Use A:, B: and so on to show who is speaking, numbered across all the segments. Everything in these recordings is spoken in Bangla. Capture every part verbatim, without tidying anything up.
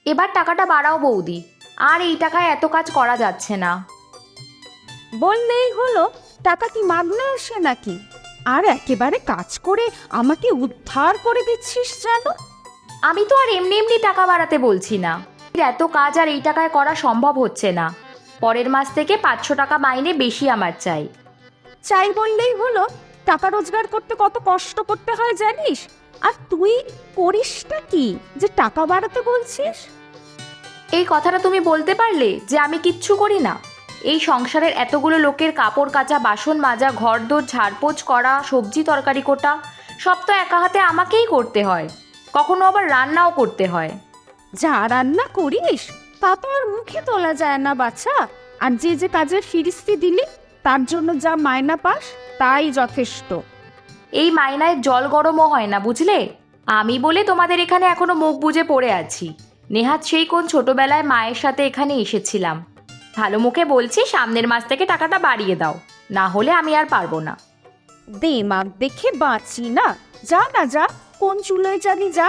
A: এবার টাকাটা বাড়াও বৌদি, আর এই টাকায় এত কাজ করা যাচ্ছে না।
B: বললেই হলো, টাকা কি মাগনা আসে নাকি? আর একেবারে কাজ করে আমাকে উদ্ধার করে দিচ্ছিস যেন।
A: আমি তো আর এমনি এমনি টাকা বাড়াতে বলছি না, এত কাজ আর এই টাকায় করা সম্ভব হচ্ছে না। পরের মাস থেকে পাঁচশো টাকা মাইনে বেশি আমার চাই।
B: চাই বললেই হলো, টাকা রোজগার করতে কত কষ্ট করতে হয় জানিস? আর তুই করিসটা কি যে টাকা বাড়াতে বলছিস?
A: এই কথাটা তুমি বলতে পারলে যে আমি কিচ্ছু করি না? এই সংসারের এতগুলো লোকের কাপড় কাচা, বাসন মাজা, ঘরদোর ঝাড়পোছ করা, সবজি তরকারি কোটা, সব তো একা হাতে আমাকেই করতে হয়। কখনো আবার রান্নাও করতে হয়।
B: যা রান্না করিস তা তো আর মুখে তোলা যায় না বাছা। আর যে যে কাজের ফিরিস্তি দিলি তার জন্য যা মায়না পাস তাই যথেষ্ট।
A: এই মাইনায় জল গরমও হয় না, বুঝলে? আমি বলে তোমাদের এখানে এখনো মুখ বুজে পড়ে আছি। নেহাত সেই কোন ছোটবেলায় মায়ের সাথে এখানে এসেছিলাম। ভালো মুখে বলছি, সামনের মাস থেকে টাকাটা বাড়িয়ে দাও, না হলে আমি আর পারবো না।
B: দেমাগ দেখে বাঁচি না, যা না যা, কোন চুলোয় জানি যা।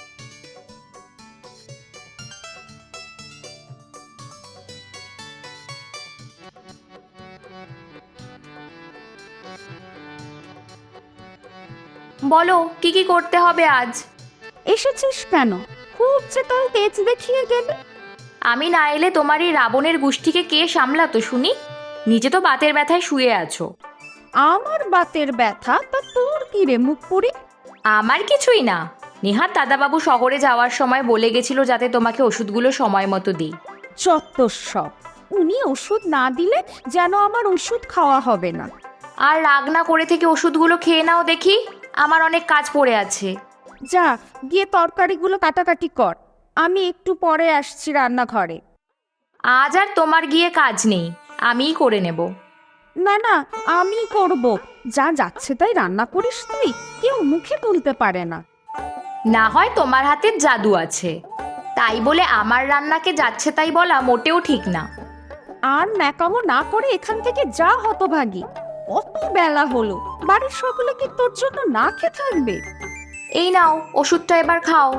A: বলো কি কি করতে হবে আজ?
B: এসেছিস কেন? খুব যে তাই তেজ দেখিয়ে গেলে।
A: আমি না এলে তোমার এই রাবণের গোষ্ঠীকে কে সামলাতো শুনি? নিজে তো বাতের ব্যথায় শুয়ে আছো।
B: আমার বাতের ব্যথা তা তোর কি রে মুখ পুরি?
A: আমার কিছুই না। নেহাত দাদাবাবু শহরে যাওয়ার সময় বলে গেছিল যাতে তোমাকে ওষুধগুলো সময় মতো দিই।
B: যত সব, উনি ওষুধ না দিলে যেন আমার ওষুধ খাওয়া হবে না।
A: আর রাগ না করে থেকে ওষুধগুলো খেয়ে নাও দেখি, আমার অনেক কাজ পড়ে আছে।
B: যা গিয়ে তরকারিগুলো কাটাকাটি কর, আমি একটু পরে আসছি রান্নাঘরে।
A: আজ আর তোমার গিয়ে কাজ নেই, আমিই করে নেব।
B: না না, আমি করব। যা যাচ্ছে তাই রান্না করিস তুই, কেউ মুখে তুলতে পারে না।
A: না হয় তোমার হাতের জাদু আছে, তাই বলে আমার রান্নাকে যাচ্ছে তাই বলা মোটেও ঠিক না।
B: আর ন্যাকামো না করে এখান থেকে যা হতভাগী। কত বেলা হলো, বাড়ির সকলে কি তোর জন্য না খেয়ে থাকবে?
A: এই নাও ওষুধটা, এবার খাও।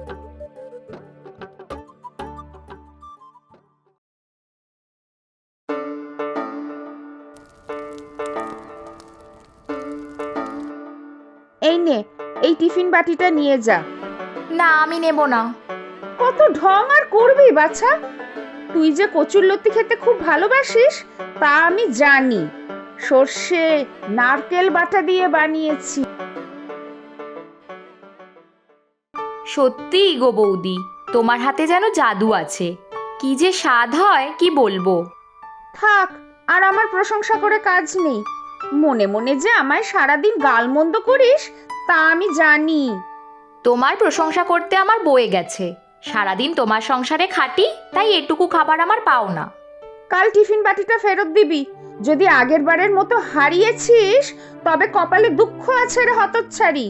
B: এই নে, এই টিফিন বাটিটা নিয়ে যা।
A: না, আমি নেব না।
B: কত ঢং আর করবি বাছা? তুই যে কচুরলতি খেতে খুব ভালোবাসিস তা আমি জানি। সর্ষে নারকেল বাটা দিয়ে বানিয়েছি।
A: সত্যি গো বৌদি, তোমার হাতে যেন জাদু আছে। কি যে স্বাদ হয় কি বলবো।
B: থাক, আর আমার প্রশংসা করে কাজ নেই। মনে মনে যে আমায় সারাদিন গালমন্দ করিস তা আমি জানি।
A: তোমার প্রশংসা করতে আমার বয়ে গেছে। সারাদিন তোমার সংসারে খাটি, তাই এটুকু খাবার আমার পাও না।
B: কাল টিফিন বাটিটা ফেরত দিবি। যদি আগের বারের মতো হারিয়েছিস তবে কপালে দুঃখ আছে রে হতচ্ছাড়ি।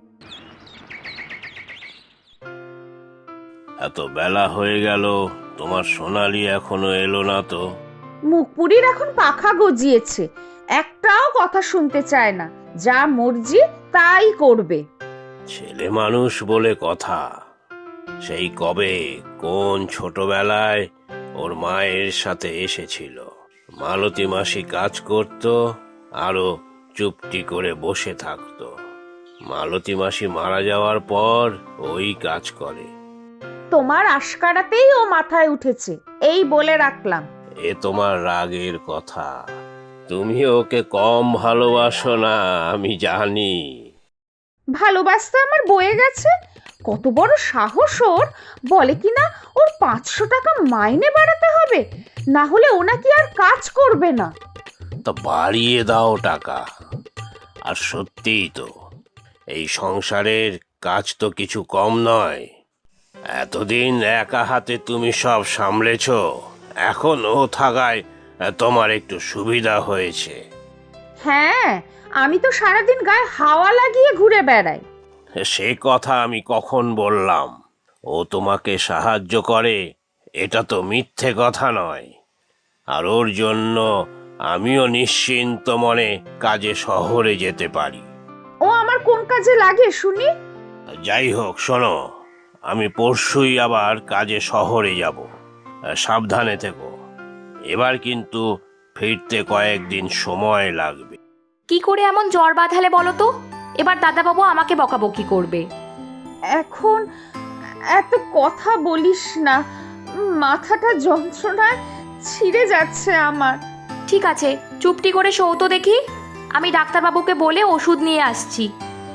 C: এত বেলা হয়ে গেল, তোমার সোনালি এখনো এলো না তো?
B: মুখপুরীর এখন পাখা গজিয়েছে, একটাও কথা শুনতে চায় না। যা মর্জি তাই করবে।
C: ছেলে মানুষ বলে কথা। সেই কবে কোন ছোটবেলায় ওর মায়ের সাথে এসেছিল। মালতী মাসি কাজ করত, আরো চুপটি করে বসে থাকতো। মালতী মাসি মারা যাওয়ার পর ওই কাজ করে।
B: তোমার আশকারাতেই ও মাথায় উঠেছে, এই বলে রাখলাম।
C: এ তোমার রাগের কথা। তুমি ওকে কম ভালোবাসো না, আমি জানি।
B: ভালোবাসতে আমার বয়ে গেছে। কত বড় সাহস ওর! বলে কিনা ওর পাঁচশো টাকা মাইনে বাড়াতে হবে, না হলে ও নাকি আর কাজ করবে না।
C: তা বাড়িয়ে দাও টাকা। আর সত্যিই তো, এই সংসারের কাজ তো কিছু কম নয়। এতদিন একা হাতে তুমি সব সামলেছ, এখন ও থাকায় তোমার একটু সুবিধা হয়েছে।
B: হ্যাঁ, আমি তো সারাদিন গায়ে হাওয়া লাগিয়ে ঘুরে বেড়াই।
C: সে কথা আমি কখন বললাম? ও তোমাকে সাহায্য করে, এটা তো মিথ্যে কথা নয়। আর ওর জন্য আমিও নিশ্চিন্ত মনে কাজে শহরে যেতে পারি।
B: ও আমার কোন কাজে লাগে শুনি?
C: যাই হোক, শোনো, আমি পরশুই আবার কাজে শহরে যাব। সাবধানে থেকো। এবার কিন্তু ফিরতে কয়েকদিন সময় লাগবে।
A: কি করে এমন জ্বর বাঁধালে বলো তো? এবার দাদাবাবু আমাকে বকাবকি করবে।
B: এখন এত কথা বলিস না, মাথাটা যন্ত্রণায় ছিঁড়ে যাচ্ছে আমার।
A: ঠিক আছে, চুপটি করে শোও তো দেখি। আমি ডাক্তারবাবুকে বলে ওষুধ নিয়ে আসছি।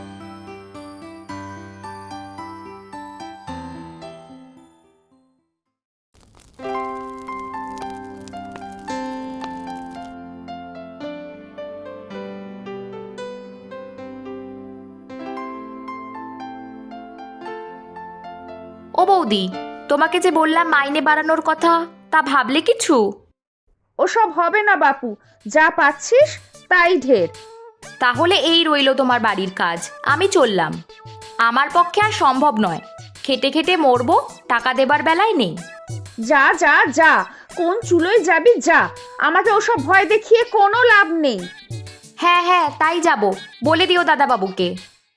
A: ও বৌদি, তোমাকে যে বললাম মাইনে বাড়ানোর কথা, তা ভাবলে কিছু?
B: ওসব হবে না বাপু, যা পাচ্ছিস তাই ঢের।
A: তাহলে এই রইলো তোমার বাড়ির কাজ, আমি চললাম। আমার পক্ষে আর সম্ভব নয়, খেটে খেটে মরবো, টাকা দেবার বেলায় নেই।
B: যা যা যা, কোন চুলোয় যাবি যা, আমাকে ওসব ভয় দেখিয়ে কোনো লাভ নেই।
A: হ্যাঁ হ্যাঁ, তাই যাব, বলে দিও দাদাবাবুকে।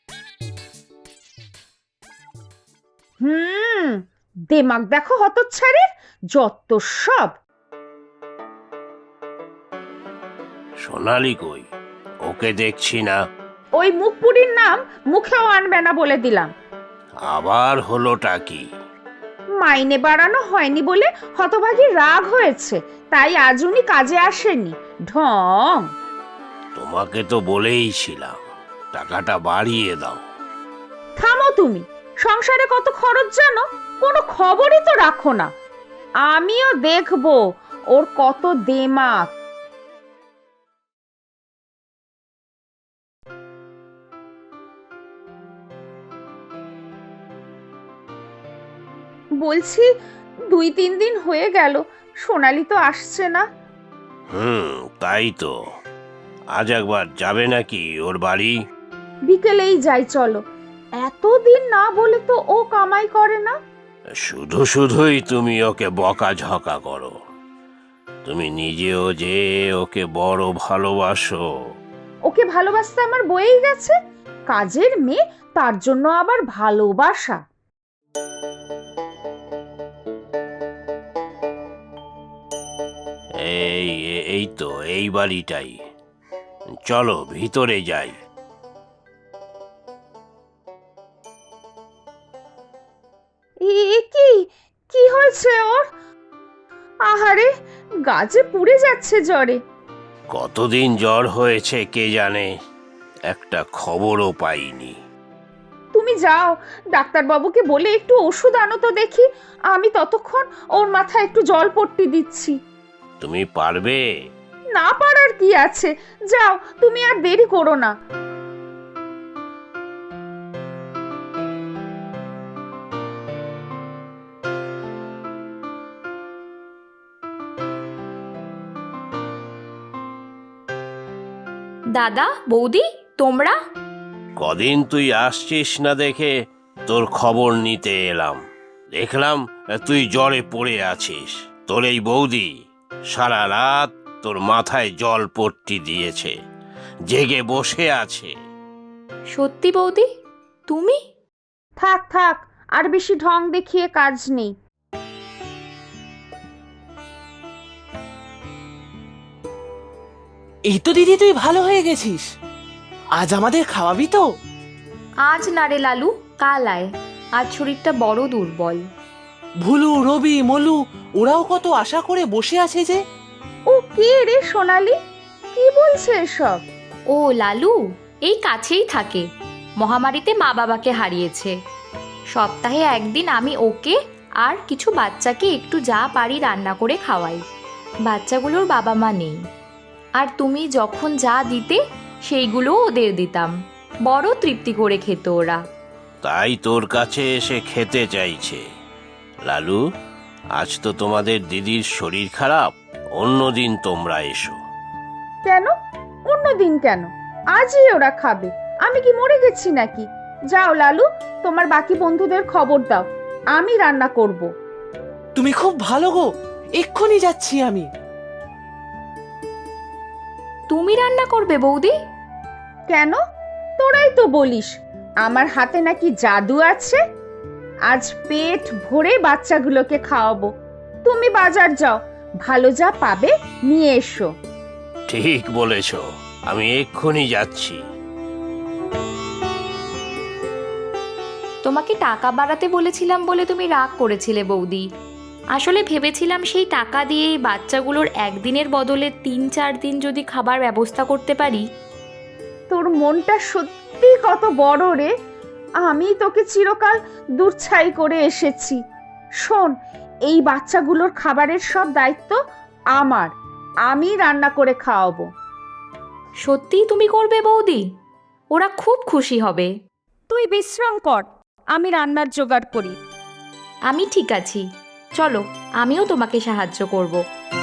B: হুম, দেমাগ দেখো হতচ্ছাড়ির, যত সব।
C: সোনালি কই? ওকে দেখছি না।
B: ওই মুখপুরির নাম মুখেও আনবে না বলে দিলাম।
C: আবার হলোটা কি?
B: মাইনে বাড়ানো হয়নি বলে হতভাগী রাগ হয়েছে, তাই আজ উনি কাজে আসেনি। ঢং।
C: তোমাকে তো বলেইছিলাম টাকাটা বাড়িয়ে দাও।
B: থামো তুমি, সংসারে কত খরচ জানো? কোনো খবরই তো রাখো না। আমিও দেখবো ওর কত দেমাগ। বলছি, দুই তিন দিন হয়ে গেল, সোনালি তো আসছে না।
C: হুম, তাই তো। আজ একবার যাবে নাকি ওর বাড়ি?
B: বিকেলেই যাই চলো। এতদিন না বলে তো ও কামাই করে না।
C: শুধু শুধুই তুমি ওকে বকাঝকা করো। তুমি নিজেও যে ওকে বড় ভালোবাসো।
B: ওকে ভালোবাসতে আমার বয়েই গেছে, কাজের মেয়ে তার জন্য আবার ভালোবাসা।
C: এই এই তো এই বাড়িটাই। চলো ভিতরে যাই।
B: এ কি কি হয়েছে ওর? আহারে, গাছে পুড়ে যাচ্ছে জ্বরে।
C: কতদিন জ্বর হয়েছে কে জানে, একটা খবরও পাইনি।
B: তুমি যাও, ডাক্তারবাবুকে বলে একটু ওষুধ আনো তো দেখি, আমি ততক্ষণ ওর মাথায় একটু জল পট্টি দিচ্ছি।
C: তুমি পারবে?
B: না পারার কি আছে, যাও, তুমি আর দেরি করো না।
A: দাদা, বৌদি, তোমরা?
C: কদিন তুই আসছিস না দেখে তোর খবর নিতে এলাম। দেখলাম তুই জ্বরে পড়ে আছিস। তোর এই বৌদি সারা রাত তোর মাথায় জল পট্টি দিয়েছে, জেগে বসে আছে।
A: সত্যি বৌদি, তুমি?
B: থাক থাক, আর বেশি ঢং দেখিয়ে কাজ নেই।
D: এই তো দিদি, তুই ভালো হয়ে গেছিস। আজ আমাদের খাওয়াবি তো?
A: আজ না রে লালু, কাল আয়। আজ শরীরটা বড় দুর্বল।
D: ভুলু, রবি, মলু ওরাও কত আশা করে বসে আছে যে।
B: ও কে রে সোনালি? কি বলছে এসব?
A: ও লালু, এই কাছেই থাকে। মহামারীতে মা বাবাকে হারিয়েছে। সপ্তাহে একদিন আমি ওকে আর কিছু বাচ্চাকে একটু যা পারি রান্না করে খাওয়াই। বাচ্চাগুলোর বাবা মা নেই, আর তুমি যখন যা দিতে সেইগুলোও ওদের দিতাম। বড় তৃপ্তি করে খেত ওরা।
C: তাই তোর কাছে এসে খেতে চাইছে। লালু, আজ তো তোমাদের দিদির শরীর খারাপ, অন্যদিন তোমরা এসো।
B: কেন অন্যদিন কেন? আজই ওরা খাবে। আমি কি মরে গেছি নাকি? যাও লালু, তোমার বাকি বন্ধুদের খবর দাও, আমি রান্না করব।
D: তুমি খুব ভালো গো, এক্ষুনি যাচ্ছি আমি।
A: তুমি রান্না করবে বৌদি?
B: কেন? তোরাই তো বলিস আমার হাতে নাকি জাদু আছে। আজ পেট ভরে বাচ্চাগুলোকে খাওয়াবো। তুমি বাজার যাও, ভালো যা পাবে নিয়ে এসো।
C: ঠিক বলেছ, আমি এক্ষুনি যাচ্ছি।
A: তোমাকে টাকা বাড়াতে বলেছিলাম বলে তুমি রাগ করেছিলে বৌদি। আসলে ভেবেছিলাম সেই টাকা দিয়ে এই বাচ্চাগুলোর একদিনের বদলে তিন চার দিন যদি খাবার ব্যবস্থা করতে পারি।
B: তোর মনটা সত্যি কত বড় রে। আমি তোকে চিরকাল দূরছাই করে এসেছি। শোন, এই বাচ্চাগুলোর খাবারের সব দায়িত্ব আমার। আমি রান্না করে খাওয়াবো।
A: সত্যিই তুমি করবে বৌদি? ওরা খুব খুশি হবে।
B: তুই বিশ্রাম কর, আমি রান্নার জোগাড় করি।
A: আমি ঠিক আছি, চলো আমিও তোমাকে সাহায্য করব।